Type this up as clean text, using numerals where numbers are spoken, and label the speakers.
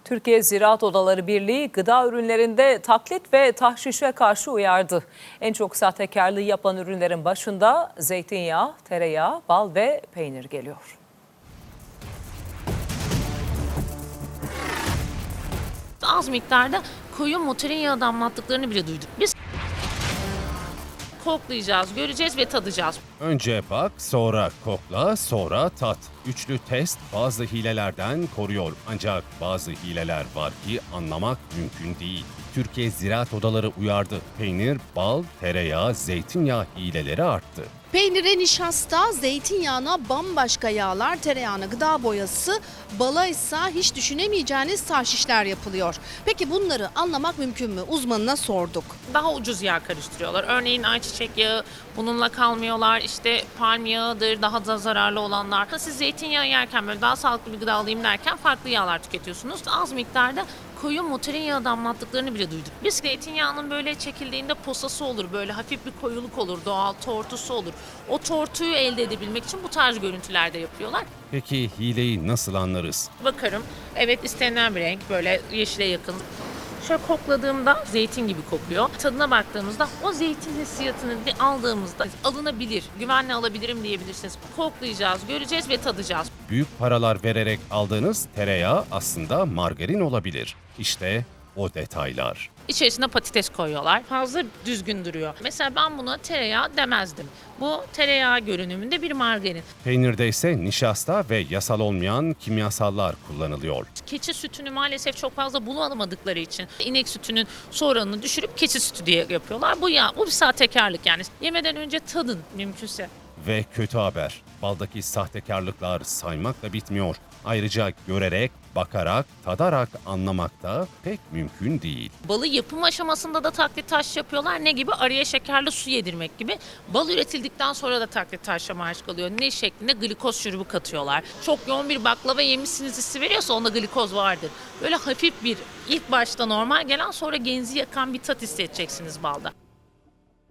Speaker 1: Türkiye Ziraat Odaları Birliği gıda ürünlerinde taklit ve tahşişe karşı uyardı. En çok sahtekarlığı yapan ürünlerin başında zeytinyağı, tereyağı, bal ve peynir geliyor.
Speaker 2: Az miktarda koyu motorin yağı damlattıklarını bile duyduk. Biz koklayacağız, göreceğiz ve tadacağız.
Speaker 3: Önce bak, sonra kokla, sonra tat. Üçlü test bazı hilelerden koruyor. Ancak bazı hileler var ki anlamak mümkün değil. Türkiye Ziraat Odaları uyardı. Peynir, bal, tereyağı, zeytinyağı hileleri arttı.
Speaker 4: Peynire nişasta, zeytinyağına bambaşka yağlar, tereyağına gıda boyası, bala ise hiç düşünemeyeceğiniz tahşişler yapılıyor. Peki bunları anlamak mümkün mü? Uzmanına sorduk.
Speaker 2: Daha ucuz yağ karıştırıyorlar. Örneğin ayçiçek yağı, bununla kalmıyorlar. İşte palm yağıdır, daha da zararlı olanlar. Siz zeytinyağı yerken böyle daha sağlıklı bir gıda alayım derken farklı yağlar tüketiyorsunuz. Az miktarda koyu motorin yağı damlattıklarını bile duyduk. Biz zeytinyağının böyle çekildiğinde posası olur, böyle hafif bir koyuluk olur, doğal tortusu olur. O tortuyu elde edebilmek için bu tarz görüntülerde yapıyorlar.
Speaker 3: Peki hileyi nasıl anlarız?
Speaker 2: Bakarım, evet istenilen bir renk, böyle yeşile yakın. Şöyle kokladığımda zeytin gibi kokuyor. Tadına baktığımızda o zeytin hissiyatını aldığımızda alınabilir, güvenle alabilirim diyebilirsiniz. Koklayacağız, göreceğiz ve tadacağız.
Speaker 3: Büyük paralar vererek aldığınız tereyağı aslında margarin olabilir. İşte o detaylar.
Speaker 2: İçerisine patates koyuyorlar. Fazla düzgün duruyor. Mesela ben buna tereyağı demezdim. Bu tereyağı görünümünde bir margarin.
Speaker 3: Peynirde ise nişasta ve yasal olmayan kimyasallar kullanılıyor.
Speaker 2: Keçi sütünü maalesef çok fazla bulamadıkları için inek sütünün su oranını düşürüp keçi sütü diye yapıyorlar. Bu bir sahtekarlık yani. Yemeden önce tadın mümkünse.
Speaker 3: Ve kötü haber, baldaki sahtekarlıklar saymakla bitmiyor. Ayrıca görerek, bakarak, tadarak anlamak da pek mümkün değil.
Speaker 2: Balı yapım aşamasında da taklit taş yapıyorlar. Ne gibi? Araya şekerli su yedirmek gibi. Bal üretildikten sonra da taklit taşla maruz kalıyor. Ne şeklinde? Glikoz şurubu katıyorlar. Çok yoğun bir baklava yemişsiniz hissi veriyorsa onda glikoz vardır. Böyle hafif bir ilk başta normal gelen sonra genzi yakan bir tat hissedeceksiniz balda.